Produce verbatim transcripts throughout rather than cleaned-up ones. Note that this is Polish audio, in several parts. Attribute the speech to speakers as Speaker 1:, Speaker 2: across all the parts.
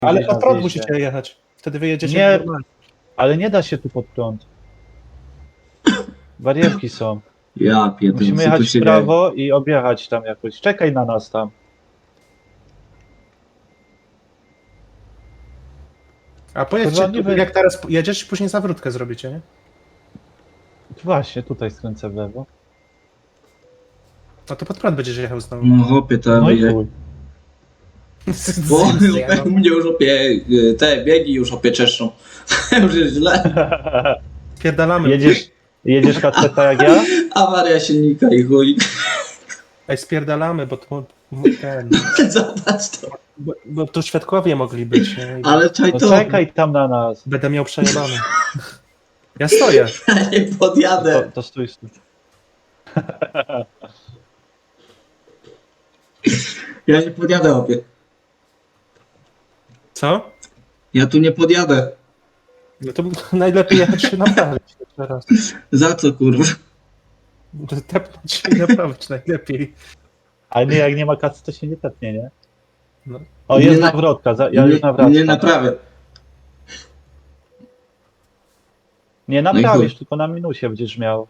Speaker 1: Ale
Speaker 2: gdzieś
Speaker 1: pod
Speaker 2: na
Speaker 1: prąd
Speaker 2: zjeździe.
Speaker 1: musicie jechać. Wtedy wyjedziecie
Speaker 2: Nie.
Speaker 1: normalnie.
Speaker 2: Ale nie da się tu pod prąd. Barierki są.
Speaker 3: Ja pierdolę,
Speaker 2: Musimy
Speaker 3: co tu
Speaker 2: jechać
Speaker 3: się
Speaker 2: w prawo i objechać tam jakoś. Czekaj na nas tam.
Speaker 1: A powiedzcie,
Speaker 2: Kurwa, nie wy-
Speaker 1: jak teraz jedziesz, później zawrótkę zrobicie, nie?
Speaker 2: Właśnie, tutaj skręcę w lewo.
Speaker 1: No to pod prąd będziesz jechał znowu.
Speaker 3: No hopie, to
Speaker 2: No i
Speaker 3: będzie...
Speaker 2: chuj.
Speaker 3: Bo
Speaker 1: Zjebano.
Speaker 3: mnie już opie... Te biegi już opie czeszczą. Już jest źle.
Speaker 1: Spierdalamy.
Speaker 2: Jedziesz, jedziesz kaceta jak ja?
Speaker 3: Awaria silnika i chuj.
Speaker 1: Ej, spierdalamy, bo to ten...
Speaker 3: Zobacz to.
Speaker 1: Bo, bo tu świadkowie mogli być, nie? I
Speaker 3: Ale czaj
Speaker 2: No
Speaker 3: to.
Speaker 2: czekaj tam na nas.
Speaker 1: będę miał przejebane. Ja stoję.
Speaker 3: Ja nie
Speaker 2: To,
Speaker 3: podjadę.
Speaker 2: to stój, stój.
Speaker 3: Ja nie podjadę opie.
Speaker 1: Co?
Speaker 3: Ja tu nie podjadę.
Speaker 1: No to najlepiej jechać się naprawić teraz.
Speaker 3: Za co kurwa?
Speaker 1: Tepnąć się i naprawić najlepiej.
Speaker 2: Ale nie, jak nie ma kasy, to się nie tepnie, nie?
Speaker 1: No.
Speaker 2: O,
Speaker 3: Nie
Speaker 2: jest
Speaker 3: na-
Speaker 2: nawrotka, za- ja
Speaker 3: nie,
Speaker 2: już nawracam.
Speaker 3: nie naprawię.
Speaker 2: Nie
Speaker 3: No i
Speaker 2: naprawisz,
Speaker 3: chuj.
Speaker 2: tylko na minusie będziesz miał.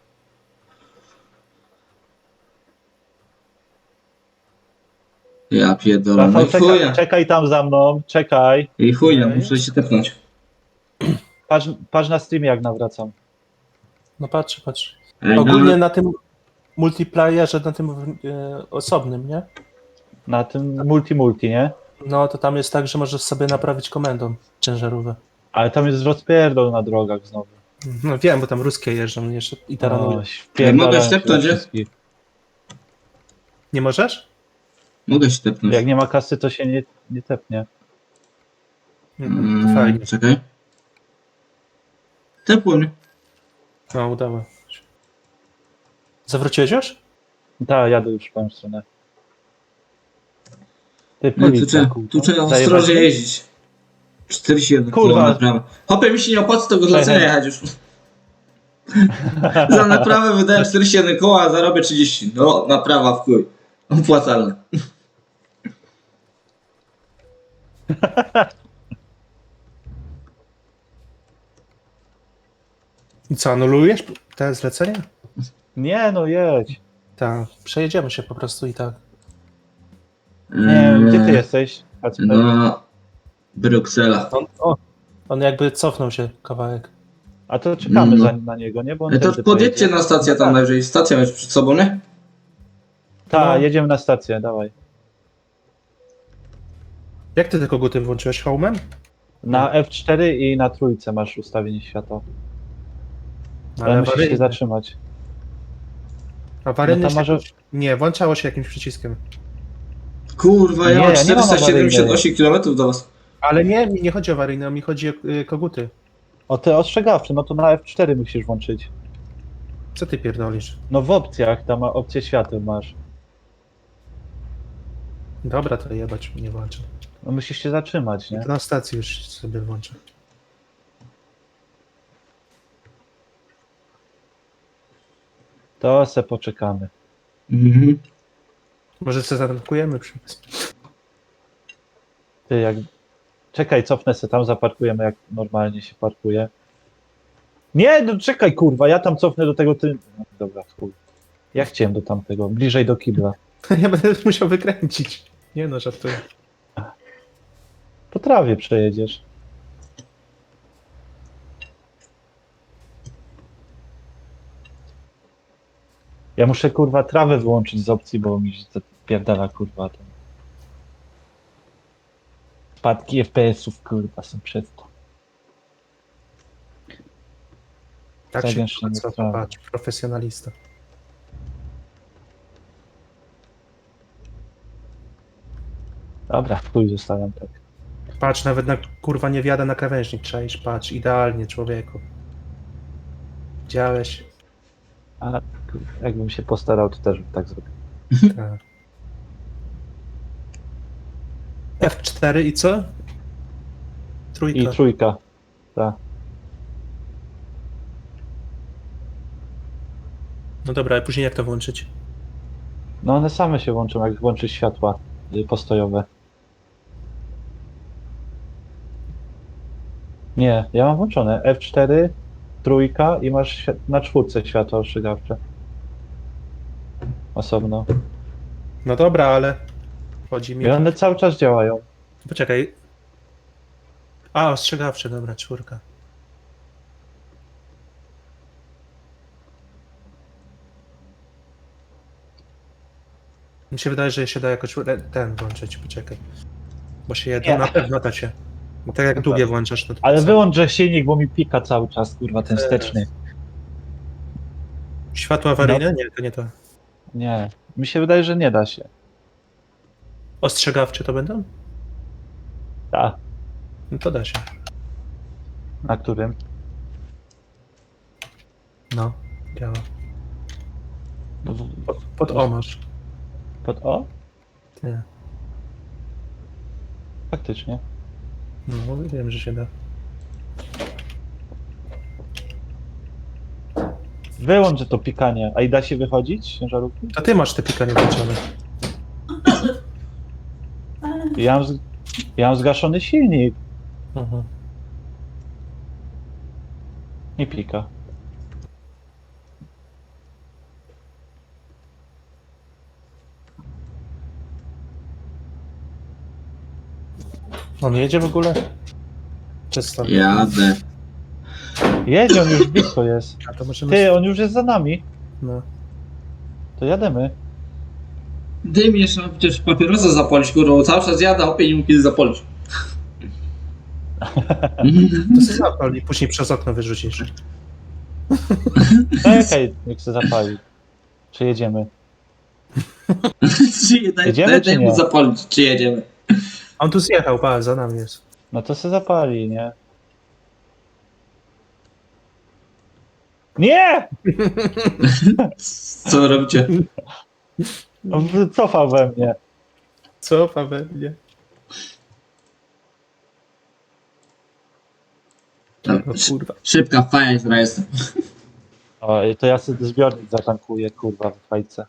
Speaker 3: Ja pierdolę. No
Speaker 2: Rafał,
Speaker 3: i
Speaker 2: czekaj,
Speaker 3: chuja.
Speaker 2: czekaj tam za mną, czekaj.
Speaker 3: I chuja,
Speaker 1: Ej.
Speaker 3: muszę się tepnąć.
Speaker 2: Patrz, patrz na streamie, jak nawracam.
Speaker 1: No patrz, patrz.
Speaker 3: Ej,
Speaker 1: Ogólnie
Speaker 3: no,
Speaker 1: na tym multiplayerze, na tym e, osobnym, nie?
Speaker 2: Na tym multi-multi, nie?
Speaker 1: No to tam jest tak, że możesz sobie naprawić komendą ciężarówkę.
Speaker 2: Ale tam jest rozpierdol na drogach znowu.
Speaker 1: No wiem, bo tam ruskie jeżdżą jeszcze i taranują.
Speaker 2: O, wpierdalają
Speaker 3: mogę
Speaker 2: się
Speaker 3: stepnąć,
Speaker 2: we
Speaker 3: nie?
Speaker 2: wszystkich.
Speaker 1: Nie możesz?
Speaker 3: mogę się tepnąć.
Speaker 2: Jak nie ma kasy, to się nie, nie tepnie.
Speaker 1: Mhm, to fajnie.
Speaker 3: Mm, czekaj. Tepło mnie.
Speaker 1: No, udało. Zawróciłeś już?
Speaker 2: Tak, jadę już w tą stronę. Ty,
Speaker 3: No, tu,
Speaker 2: policja,
Speaker 3: trzeba,
Speaker 2: kurwa.
Speaker 3: tu trzeba
Speaker 2: Zajebać
Speaker 3: ostrożnie
Speaker 2: mnie?
Speaker 3: jeździć. czterdzieści jeden
Speaker 2: Kurwa.
Speaker 3: Kurwa. Naprawa. Hopie mi się nie opłaca tego
Speaker 2: Czekaj.
Speaker 3: zlecenia jechać już. Za naprawę wydałem czterdzieści jeden koła, a zarobię trzydzieści. No, naprawa w chuj. Opłacalne.
Speaker 1: I co, anulujesz te zlecenia?
Speaker 2: Nie, no jedź.
Speaker 1: Tak, przejedziemy się po prostu i tak.
Speaker 2: Nie,
Speaker 3: Eee,
Speaker 2: gdzie ty jesteś? Kacper?
Speaker 3: No, Bruksela.
Speaker 1: On, o, on jakby cofnął się kawałek.
Speaker 2: A to czekamy
Speaker 3: No.
Speaker 2: za, na niego, nie? Bo on
Speaker 3: E, to
Speaker 2: tędy
Speaker 3: podjedźcie
Speaker 2: pojedzie.
Speaker 3: na stację tam najwyżej. Stacja masz przed sobą, nie?
Speaker 2: Tak,
Speaker 1: No.
Speaker 2: jedziemy na stację, dawaj.
Speaker 1: Jak ty te koguty włączyłeś homem?
Speaker 2: Na F cztery i na trójce masz ustawienie światła. Ale, musisz się
Speaker 1: awaryjny.
Speaker 2: zatrzymać.
Speaker 1: Awaryjny
Speaker 2: No to
Speaker 1: się
Speaker 2: może-
Speaker 1: jakoś- Nie, włączało się jakimś przyciskiem.
Speaker 3: Kurwa, ja
Speaker 2: Nie,
Speaker 3: mam
Speaker 2: ja nie mam
Speaker 3: czterysta siedemdziesiąt osiem kilometrów do was.
Speaker 1: Ale nie, mi nie chodzi o awaryjne, mi chodzi o y, koguty.
Speaker 2: O te ostrzegawcze, no to na F cztery musisz włączyć.
Speaker 1: Co ty pierdolisz?
Speaker 2: No w opcjach, tam opcję świateł masz.
Speaker 1: Dobra, to jebać nie włączę.
Speaker 2: No musisz się zatrzymać, nie?
Speaker 1: To na stacji już sobie włączę.
Speaker 2: To se poczekamy.
Speaker 3: Mhm.
Speaker 1: Może sobie zatankujemy przy...
Speaker 2: Ty jak... Czekaj, cofnę se tam, zaparkujemy jak normalnie się parkuje. Nie, no czekaj kurwa, ja tam cofnę do tego ty... No, dobra, chuj. Ja chciałem do tamtego, bliżej do kibla.
Speaker 1: Ja będę musiał wykręcić. Nie no, żartuję.
Speaker 2: Po trawie przejedziesz. Ja muszę kurwa trawę wyłączyć z opcji, bo mi się zapierdala kurwa ten. Spadki F P S-ów kurwa są przez to.
Speaker 1: Tak się
Speaker 2: Zagęszczenie
Speaker 1: co,
Speaker 2: trawy.
Speaker 1: patrz, profesjonalista.
Speaker 2: Dobra, w chuj zostawiam tak.
Speaker 1: Patrz, nawet na kurwa nie wjadę na krawężnik, czaisz, patrz, idealnie człowieku. Widziałeś?
Speaker 2: A kurwa, jakbym się postarał, to też bym tak zrobił.
Speaker 1: Tak. F cztery i co? Trójka.
Speaker 2: I trójka. Tak.
Speaker 1: No dobra, a później jak to włączyć?
Speaker 2: No one same się włączą, jak włączysz światła y, postojowe. Nie, ja mam włączone F cztery, trójka i masz świ- na czwórce światło ostrzegawcze. Osobno.
Speaker 1: No dobra, ale chodzi mi...
Speaker 2: I one cały czas działają.
Speaker 1: Poczekaj. A, ostrzegawcze, dobra, czwórka. Mi się wydaje, że się da jakoś re- ten włączyć, poczekaj. Bo się jedno,
Speaker 2: Nie.
Speaker 1: na pewno da się. Bo tak jak długie włączasz, no to
Speaker 2: Ale
Speaker 1: co?
Speaker 2: wyłączę silnik, bo mi pika cały czas, kurwa, ten
Speaker 1: Eee.
Speaker 2: wsteczny.
Speaker 1: Światło awaryjne? Nie, to nie to.
Speaker 2: Nie, mi się wydaje, że nie da się.
Speaker 1: Ostrzegawcze to będą?
Speaker 2: Tak,
Speaker 1: No to da się.
Speaker 2: na którym?
Speaker 1: No, działa.
Speaker 2: No, w-
Speaker 1: Pod, pod O masz.
Speaker 2: Pod O?
Speaker 1: Nie.
Speaker 2: Faktycznie.
Speaker 1: No, wiem, że się da.
Speaker 2: Wyłączę to pikanie. A i da się wychodzić z ciężarówki?
Speaker 1: To ty masz te pikanie włączone.
Speaker 2: Ja mam, z... ja mam zgaszony silnik.
Speaker 1: Mhm.
Speaker 2: Nie pika.
Speaker 1: On jedzie w ogóle? Czysto.
Speaker 3: Jadę.
Speaker 2: Jedzie, on już blisko jest.
Speaker 1: A to możemy...
Speaker 2: Ty, on już jest za nami.
Speaker 1: No.
Speaker 2: To jademy.
Speaker 3: Dym jeszcze mam przecież papierosa zapalić, kurwa, bo cały czas jadę, opie nie mógł kiedy zapalić.
Speaker 1: To sobie zapal i później przez okno wyrzucisz.
Speaker 2: Czekaj, niech się zapali. Czy jedziemy?
Speaker 3: Czy daj,
Speaker 2: Jedziemy,
Speaker 3: daj,
Speaker 2: czy
Speaker 3: daj mu
Speaker 2: nie?
Speaker 3: zapalić, czy jedziemy.
Speaker 1: On tu zjechał, pa, za nami jest.
Speaker 2: No to se zapali, nie? Nie!
Speaker 3: Co robicie?
Speaker 2: On wycofał we mnie.
Speaker 1: Co, Paweł? Nie.
Speaker 3: No,
Speaker 1: No kurwa.
Speaker 3: szybka, fajna, która jestem.
Speaker 2: O, i to ja sobie zbiornik zatankuję, kurwa, w fajce.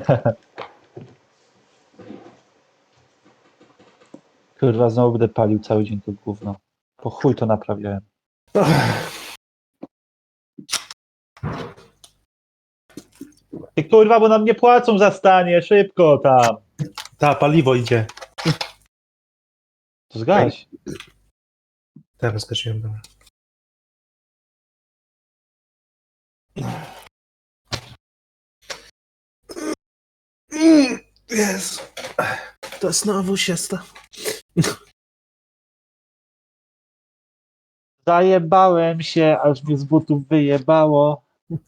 Speaker 2: Kurwa, znowu będę palił cały dzień to gówno. Po chuj to naprawiałem. Ty kurwa, bo nam nie płacą za stanie, szybko tam.
Speaker 1: Ta, paliwo idzie.
Speaker 2: To zgaś.
Speaker 1: Teraz zgasiłem, dobra. Jezu. To znowu się sta.
Speaker 2: Zajebałem się, aż mnie z butów wyjebało.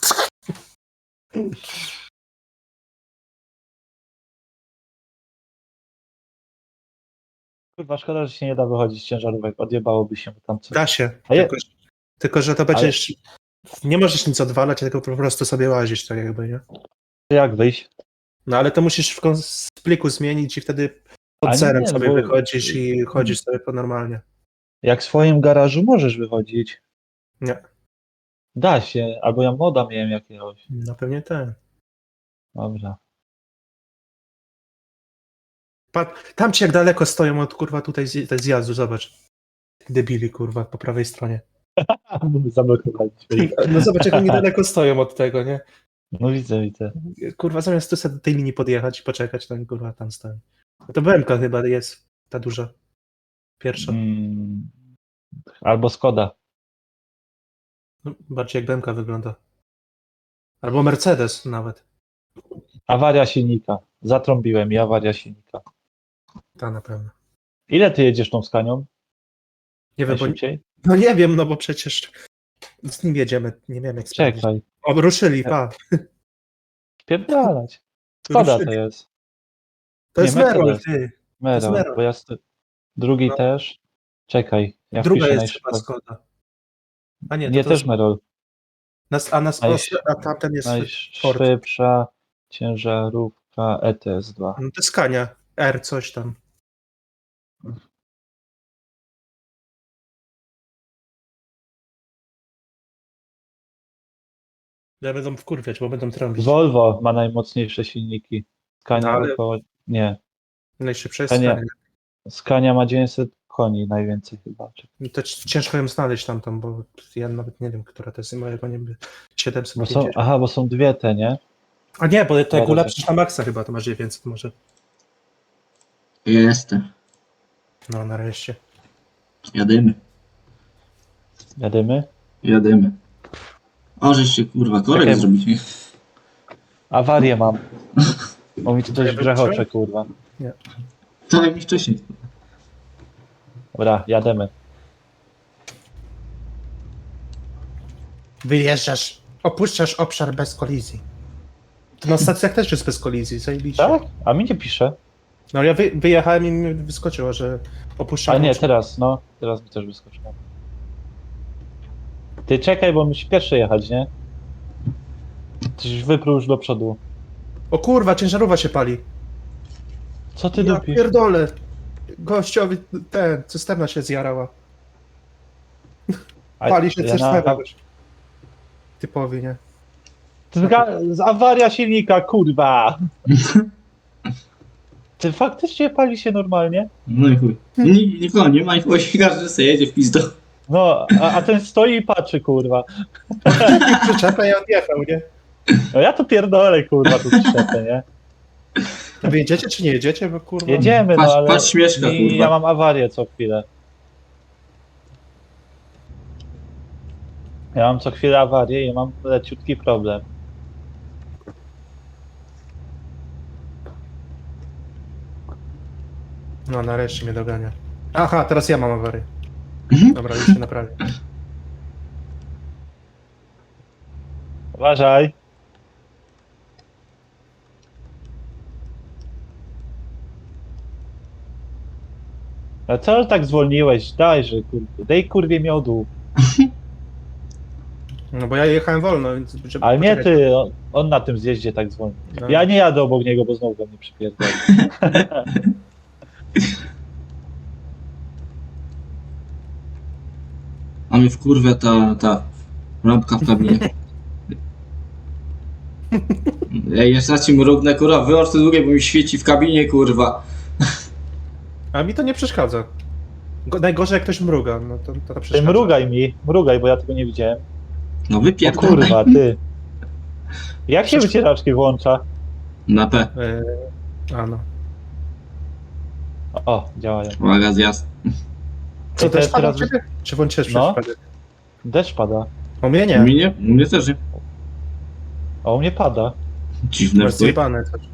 Speaker 2: Kurwa, szkoda, że się nie da wychodzić z ciężarówek. Odjebałoby się tam coś.
Speaker 1: Da się.
Speaker 2: A je-
Speaker 1: Tylko, tylko, że to będzie
Speaker 2: Ale-
Speaker 1: jeszcze... Nie możesz nic odwalać, tylko po prostu sobie łazisz, tak jakby, nie?
Speaker 2: Jak wyjść?
Speaker 1: No ale to musisz w kons- w pliku zmienić i wtedy
Speaker 2: A
Speaker 1: pod
Speaker 2: nie,
Speaker 1: zerem
Speaker 2: nie,
Speaker 1: sobie
Speaker 2: bo-
Speaker 1: wychodzisz i chodzisz sobie po normalnie.
Speaker 2: Jak w swoim garażu możesz wychodzić.
Speaker 1: Nie.
Speaker 2: Da się, albo ja moda miałem jakiegoś.
Speaker 1: No pewnie ten.
Speaker 2: Dobra.
Speaker 1: Pat- Tam ci jak daleko stoją od kurwa tutaj z- tej zjazdu, zobacz. Tych debili kurwa po prawej stronie.
Speaker 2: Zablokowali drzwi.
Speaker 1: No zobacz jak oni daleko stoją od tego, nie?
Speaker 2: No widzę, widzę.
Speaker 1: Kurwa zamiast tu sobie do tej linii podjechać i poczekać, tam kurwa tam stoją. To B M K chyba jest ta duża. Pierwsza.
Speaker 2: Mm, albo Skoda.
Speaker 1: No, bardziej jak B M K wygląda. Albo Mercedes nawet.
Speaker 2: Awaria silnika. Zatrąbiłem i awaria silnika.
Speaker 1: Ta na pewno.
Speaker 2: Ile ty jedziesz tą Skanią?
Speaker 1: Nie wiem, bo,
Speaker 2: Najszybciej?
Speaker 1: no nie wiem, no bo przecież z nim jedziemy, nie wiem jak sprawdzić.
Speaker 2: Czekaj.
Speaker 1: O, ruszyli, pa.
Speaker 2: Spierdalać. Skoda to
Speaker 1: Ruszyli.
Speaker 2: jest.
Speaker 1: To
Speaker 2: Nie,
Speaker 1: jest Merol,
Speaker 2: Mercedes.
Speaker 1: ty.
Speaker 2: Merol,
Speaker 1: Merol.
Speaker 2: bo ja st- drugi
Speaker 1: No.
Speaker 2: też. Czekaj. Ja
Speaker 1: Druga
Speaker 2: wpiszę
Speaker 1: jest chyba
Speaker 2: najszybciej.
Speaker 1: Skoda. A nie, to
Speaker 2: Nie,
Speaker 1: to
Speaker 2: też
Speaker 1: jest,
Speaker 2: Merol.
Speaker 1: nas, a, nas,
Speaker 2: Najsz-
Speaker 1: a tamten jest Ford.
Speaker 2: Najszybsza ciężarówka E T S dwa.
Speaker 1: No to jest Kania. R coś tam. Ja będą wkurwiać, bo będą trąbić.
Speaker 2: Volvo ma najmocniejsze silniki. Scania
Speaker 1: No, ale-
Speaker 2: około... Nie.
Speaker 1: Najszybsze jest
Speaker 2: Kania.
Speaker 1: Skania.
Speaker 2: Scania ma dziewięćset koni najwięcej chyba. Czy-
Speaker 1: To c- ciężko ją znaleźć tamtą, bo ja nawet nie wiem, która to jest mojego, nie wiem, siedemset
Speaker 2: Bo są,
Speaker 1: pięćdziesiąt.
Speaker 2: aha, bo są dwie te, nie?
Speaker 1: A nie, bo to jak
Speaker 2: Dobra.
Speaker 1: ulepszysz na maksa chyba, to masz dziewięćset może.
Speaker 3: Jestem.
Speaker 1: No, nareszcie.
Speaker 3: Jadymy.
Speaker 2: Jadymy?
Speaker 3: Jadymy. O, żeście kurwa korek
Speaker 2: Czekaj.
Speaker 3: zrobić.
Speaker 2: Awarię mam. Bo mi tu coś
Speaker 1: Ja
Speaker 2: grzechocze,
Speaker 1: wróciłem?
Speaker 2: kurwa.
Speaker 3: To jak mi wcześniej.
Speaker 2: Dobra, jademy.
Speaker 1: Wyjeżdżasz, opuszczasz obszar bez kolizji. To na stacjach też jest bez kolizji, zajebiście.
Speaker 2: Tak? A mi nie pisze.
Speaker 1: No ja wy, wyjechałem i mi wyskoczyło, że opuszczam
Speaker 2: A nie,
Speaker 1: obszar.
Speaker 2: teraz, no. Teraz mi też wyskoczyło. Ty czekaj, bo musi pierwszy jechać, nie? Coś wyprół już do przodu.
Speaker 1: O kurwa, ciężarówka się pali.
Speaker 2: Co ty
Speaker 1: Ja
Speaker 2: dupisz?
Speaker 1: pierdolę. Gościowi, ten, cysterna się zjarała.
Speaker 2: A-
Speaker 1: Pali się
Speaker 2: ja
Speaker 1: cysterna.
Speaker 2: na-
Speaker 1: Typowy, nie?
Speaker 2: Zga- z awaria silnika, kurwa! Ty faktycznie pali się normalnie?
Speaker 3: No i chuj. Nik- Nikogo nie ma, nikogo się każdy sobie jedzie w pizdo.
Speaker 2: No, a, a ten stoi i patrzy, kurwa.
Speaker 1: Przyczepę i odjechał, nie?
Speaker 2: No ja to pierdolę, kurwa, tu przyczepę, nie?
Speaker 1: To wy jedziecie czy nie jedziecie? Bo kurwa...
Speaker 2: Jedziemy,
Speaker 3: Patrz-
Speaker 2: no ale
Speaker 3: patrz śmieszka,
Speaker 2: mi,
Speaker 3: kurwa.
Speaker 2: ja mam awarię co chwilę. Ja mam co chwilę awarię i mam leciutki problem.
Speaker 1: No nareszcie mnie dogania. Aha, teraz ja mam awarię.
Speaker 3: Mhm.
Speaker 1: Dobra, już się naprawię.
Speaker 2: Uważaj. A co tak zwolniłeś? Dajże, kurde. Daj kurwie miodu.
Speaker 1: No bo ja jechałem wolno, więc... Żeby
Speaker 2: Ale nie
Speaker 1: poczekać.
Speaker 2: ty, on, on na tym zjeździe tak zwolni.
Speaker 1: No.
Speaker 2: Ja nie jadę obok niego, bo znowu go mnie przypierdolę.
Speaker 3: A mnie w kurwę ta, ta lampka w kabinie. Ej, jeszcze raz ci mrugnę, kurwa, wyłącz to długie, bo mi świeci w kabinie, kurwa.
Speaker 1: A mi to nie przeszkadza. Go, najgorzej jak ktoś mruga, no to, to, to
Speaker 2: Ty
Speaker 1: przeszkadza.
Speaker 2: mrugaj mi, mrugaj, bo ja tego nie widziałem.
Speaker 3: No
Speaker 2: O
Speaker 3: wypierdolę.
Speaker 2: kurwa, ty. Jak się wycieraczki włącza?
Speaker 3: Na P.
Speaker 1: E, a no.
Speaker 2: O, działają.
Speaker 3: Uwaga, zjazd.
Speaker 1: Co,
Speaker 2: Ej,
Speaker 1: też
Speaker 2: te-
Speaker 1: pada
Speaker 2: teraz-
Speaker 1: u ciebie? Czy włączyłeś
Speaker 2: No.
Speaker 1: przypadek?
Speaker 2: Deszcz pada.
Speaker 1: U mnie
Speaker 3: U
Speaker 1: nie.
Speaker 3: mnie? U mnie też nie.
Speaker 2: A u mnie pada.
Speaker 3: Dziwne,
Speaker 1: Masz
Speaker 3: chuj.
Speaker 1: zjebane. coś.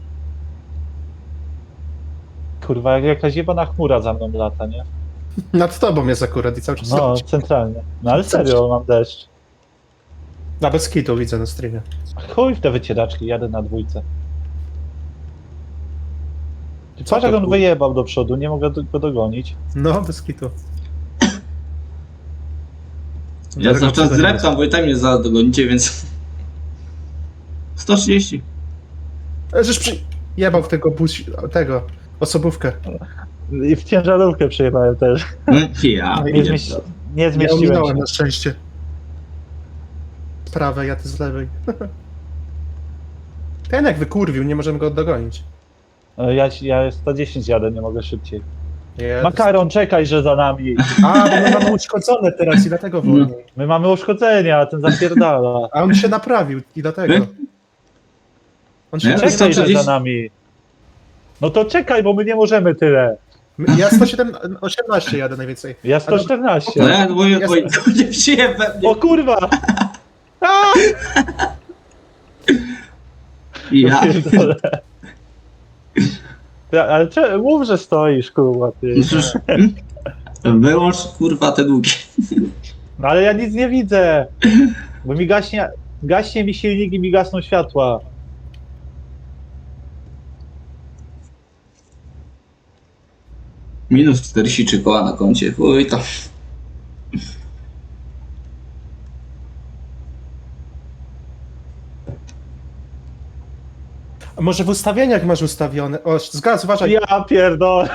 Speaker 2: Kurwa, jak jakaś jebana chmura za mną lata, nie?
Speaker 1: Nad tobą jest akurat i cały czas
Speaker 2: No,
Speaker 1: słychać.
Speaker 2: centralnie. No ale serio, mam deszcz.
Speaker 1: Na bez kitu widzę na streamie.
Speaker 2: Chuj w te wycieraczki, jadę na dwójce. Ty
Speaker 1: Co
Speaker 2: patrz
Speaker 1: to,
Speaker 2: jak on
Speaker 1: kur-
Speaker 2: wyjebał do przodu, nie mogę do- go dogonić.
Speaker 1: No, bez kitu.
Speaker 3: Ja cały czas
Speaker 1: Dlatego
Speaker 3: zreptam, bo i tak mnie zaraz dogonicie, więc... sto trzydzieści.
Speaker 1: E, Żeś przy... jebał w tego bus... tego, osobówkę.
Speaker 2: I w ciężarówkę przyjechałem też.
Speaker 3: No, ja,
Speaker 2: Nie,
Speaker 3: nie
Speaker 2: zmieści... nie
Speaker 1: Ja
Speaker 2: zmieściłem
Speaker 1: ominąłem
Speaker 2: się.
Speaker 1: na szczęście. Z prawej, ja ty z lewej. Ten jak wykurwił, nie możemy go dogonić.
Speaker 2: No, Ja, ja sto dziesięć jadę, nie mogę szybciej.
Speaker 1: Ja
Speaker 2: Makaron, czekaj, że za nami.
Speaker 1: A, bo my mamy uszkodzone teraz i dlatego wolniej.
Speaker 2: My mamy uszkodzenia, a ten zapierdala.
Speaker 1: A on się naprawił i dlatego. On się
Speaker 3: Ja
Speaker 1: nie
Speaker 2: Czekaj, że
Speaker 1: naprawił.
Speaker 2: za nami. No to czekaj, bo my nie możemy tyle.
Speaker 1: Ja sto siedemnaście, osiemnaście jadę najwięcej.
Speaker 2: Ja sto czternaście.
Speaker 3: No ja, bo ja,
Speaker 1: Jest-
Speaker 3: oj, to nie przyjemne mnie.
Speaker 2: O kurwa! A!
Speaker 3: Ja.
Speaker 2: Pierdolę. Ja, ale cze- mów, że stoisz, kurwa, ty.
Speaker 3: No cóż, hmm? Wyłącz, kurwa, te długie.
Speaker 2: No ale ja nic nie widzę. Bo mi gaśnie, gaśnie mi silnik i mi gasną światła.
Speaker 3: Minus czterdzieści trzy koła na koncie, chuj to.
Speaker 1: A może w ustawieniach masz ustawione? O, zgaz, uważaj.
Speaker 2: Ja pierdolę.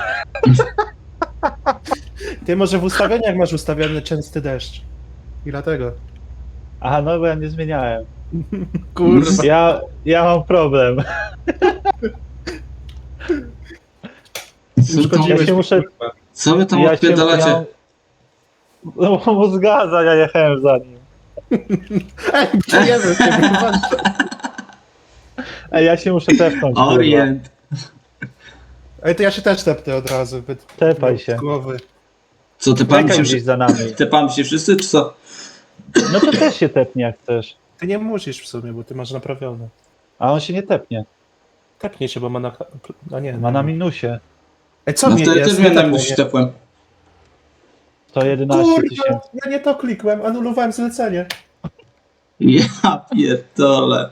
Speaker 1: Ty może w ustawieniach masz ustawiony częsty deszcz. I dlatego.
Speaker 2: Aha, no bo ja nie zmieniałem.
Speaker 1: Kurwa.
Speaker 2: Ja, ja mam problem.
Speaker 1: Uszkodziłeś
Speaker 2: Ja się
Speaker 1: mi,
Speaker 2: muszę-
Speaker 1: kurwa.
Speaker 3: Co wy tam
Speaker 2: Ja się
Speaker 3: odpierdalacie?
Speaker 2: miał... No bo mu zgadza, ja jechałem za nim.
Speaker 1: Ej, przyjemy się, kurwa.
Speaker 2: Ej, ja się muszę tepnąć, kurwa.
Speaker 3: Orient.
Speaker 1: Ej, to ja się też tepnę od razu. by-
Speaker 2: Tepaj
Speaker 1: z
Speaker 2: się.
Speaker 1: Głowy.
Speaker 3: Co, te pan
Speaker 2: Czekaj
Speaker 3: się,
Speaker 2: gdzieś
Speaker 3: wszy-
Speaker 2: za nami.
Speaker 3: te pan się wszyscy, czy co?
Speaker 2: No to też się tepnie jak chcesz.
Speaker 1: Ty nie musisz w sumie, bo ty masz naprawione.
Speaker 2: A on się nie tepnie.
Speaker 1: Tepnie się, bo ma na... A nie,
Speaker 2: Ma na minusie.
Speaker 1: Ej, co
Speaker 3: No
Speaker 1: mnie
Speaker 3: wtedy
Speaker 1: jest?
Speaker 3: też miałem
Speaker 1: Nie
Speaker 3: na
Speaker 1: tepnie,
Speaker 3: minusie
Speaker 1: nie.
Speaker 3: tepłem.
Speaker 2: sto jedenaście
Speaker 1: Kurwa,
Speaker 2: tysięcy.
Speaker 1: ja nie to klikłem, anulowałem zlecenie.
Speaker 3: Ja pierdolę.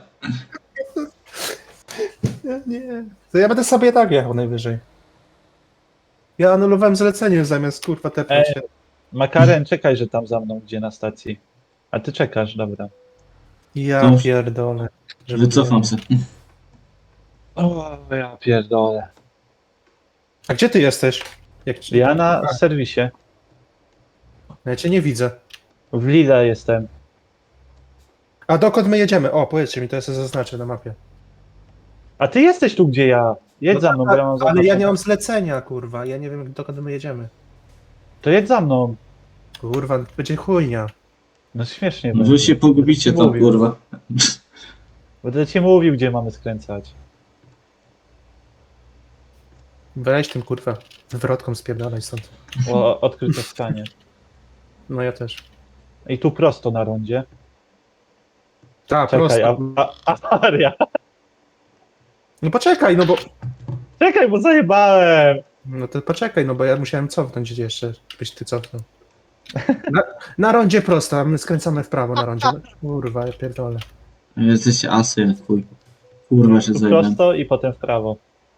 Speaker 1: Nie, nie. To ja będę sobie tak jechał najwyżej. Ja anulowałem zlecenie zamiast kurwa tepnąć
Speaker 2: Ej.
Speaker 1: się.
Speaker 2: Makaren, czekaj, że tam za mną, gdzie na stacji. A ty czekasz, dobra.
Speaker 1: Ja
Speaker 3: To już-
Speaker 1: pierdolę. Żeby
Speaker 3: Wycofam
Speaker 1: nie-
Speaker 3: się.
Speaker 2: O, ja pierdolę.
Speaker 1: A gdzie ty jesteś? Jak ci...
Speaker 2: Ja na serwisie.
Speaker 1: Ja cię nie widzę.
Speaker 2: W Lida jestem.
Speaker 1: A dokąd my jedziemy? O, powiedzcie mi, to ja sobie zaznaczę na mapie.
Speaker 2: A ty jesteś tu, gdzie ja. Jedź
Speaker 1: No
Speaker 2: za mną, bo ja mam
Speaker 1: Ale ja
Speaker 2: zaznaczone.
Speaker 1: nie mam zlecenia, kurwa. Ja nie wiem, dokąd my jedziemy.
Speaker 2: To jedź za mną.
Speaker 1: Kurwa, będzie chujnia.
Speaker 2: No śmiesznie
Speaker 3: Wy
Speaker 2: będzie.
Speaker 3: się pogubicie
Speaker 2: Będę ci
Speaker 3: tam,
Speaker 2: mówił.
Speaker 3: kurwa.
Speaker 2: Będę ci mówił, gdzie mamy skręcać.
Speaker 1: Weź tym, kurwa, wywrotką spierdalaj stąd.
Speaker 2: O, odkryte stanie.
Speaker 1: No ja też.
Speaker 2: I tu prosto na rondzie.
Speaker 1: Tak,
Speaker 2: Czekaj, a,
Speaker 1: prosto.
Speaker 2: a, awaria.
Speaker 1: No poczekaj, no bo...
Speaker 2: Czekaj, bo zajebałem.
Speaker 1: No to poczekaj, no bo ja musiałem cofnąć gdzie jeszcze, żebyś ty cofnął. Na, na rondzie prosto, a my skręcamy w prawo na rondzie. No, kurwa, ja pierdolę.
Speaker 3: Jesteście asy, jak chuj. Kurwa się
Speaker 2: Tu
Speaker 3: zajmę.
Speaker 2: prosto i potem w prawo.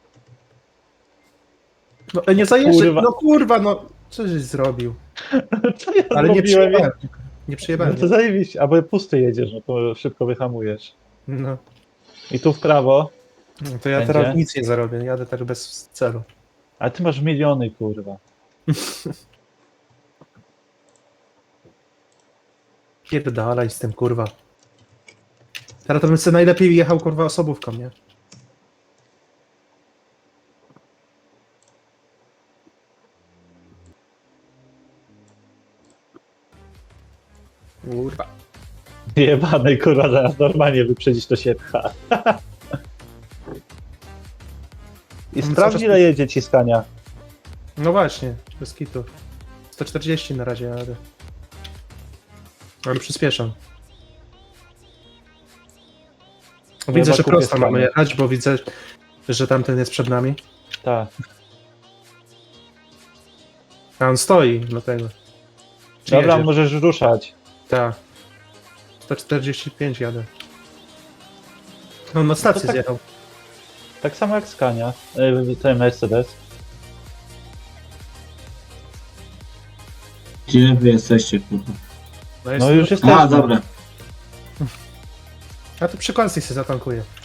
Speaker 1: No e, nie zajeżdżaj,
Speaker 2: Kurwa.
Speaker 1: no kurwa, no co żeś zrobił?
Speaker 2: Co ja
Speaker 1: Ale nie
Speaker 2: zrobiłem?
Speaker 1: przyjebałem. Nie
Speaker 2: No
Speaker 1: przyjebałem.
Speaker 2: to zajebiście, albo pusty jedziesz, no to szybko wyhamujesz.
Speaker 1: No,
Speaker 2: I tu w prawo.
Speaker 1: no to ja
Speaker 2: Będzie?
Speaker 1: teraz nic nie zarobię, jadę tak bez celu.
Speaker 2: A ty masz miliony, kurwa.
Speaker 1: Pierdalaj z tym, kurwa. Teraz to bym sobie najlepiej jechał, kurwa, osobówką, nie? Kurwa.
Speaker 2: Jebany, kurwa, zaraz normalnie wyprzedzić to się pcha. I
Speaker 1: No,
Speaker 2: sprawdź,
Speaker 1: cały
Speaker 2: ile
Speaker 1: czas-
Speaker 2: jedzie ciskania.
Speaker 1: No właśnie, bez kitu. sto czterdzieści na razie jadę. Ale przyspieszam. Widzę,
Speaker 2: chyba
Speaker 1: że
Speaker 2: kupię
Speaker 1: prosto mamy
Speaker 2: Scanię.
Speaker 1: jechać, bo widzę, że tamten jest przed nami.
Speaker 2: Tak.
Speaker 1: A on stoi, dlatego. Czy
Speaker 2: Dobra,
Speaker 1: jedzie?
Speaker 2: możesz ruszać.
Speaker 1: Tak. sto czterdzieści pięć jadę. No na stację
Speaker 2: tak-
Speaker 1: zjechał.
Speaker 2: Tak samo jak Scania. Yy, ten Mercedes.
Speaker 3: Gdzie wy jesteście, kurwa?
Speaker 1: No, jest...
Speaker 2: No już jesteśmy.
Speaker 3: A, dobra.
Speaker 1: A tu przy kolacji się zatankuję.